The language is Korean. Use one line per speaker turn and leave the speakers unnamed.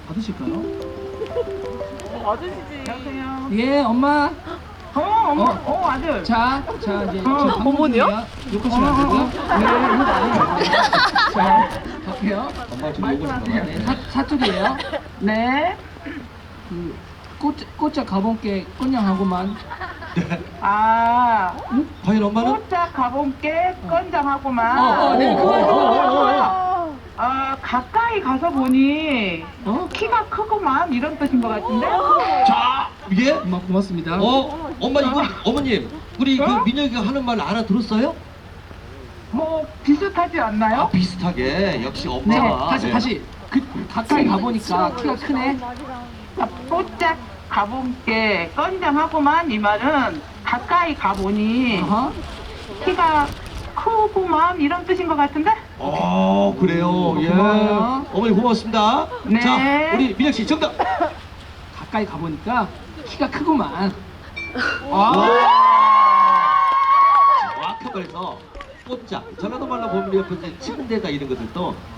받으실까요?
맞으시지.
여보세요.
예, 엄마.
어머,
어.
아들.
자, 이제 지금
어머니요?
욕하시면 안 되고요. 네, 욕 아니에요. 자, 갈게요.
엄마 좀 욕을
네, 네, 사투리예요.
네.
그 꽃자 가본께 꽃냥하고만.
아,
과연 엄마는?
꽃짝 가본께 건장하구만.
네, 그거.
가까이 가서 보니 키가 크구만 이런 뜻인 것 같은데.
자, 예?
엄마 고맙습니다.
엄마 이거 어머님 우리 그
어?
민혁이가 하는 말 알아들었어요?
뭐 비슷하지 않나요?
아 비슷하게 역시
네,
엄마가
다시. 가까이 가보니까 키가 크네.
꽃짝 가본께 건장하구만 이 말은 가까이 가보니
어허.
키가 크구만 이런 뜻인 것 같은데.
그래요. 예.
고마워요.
어머니 고맙습니다.
네.
자, 우리 민혁 씨 정답.
가까이 가보니까 키가 크구만.
정확한 말에서 꽃자 전라도 말로 보면 옆에 이제 침대가 이런 것들도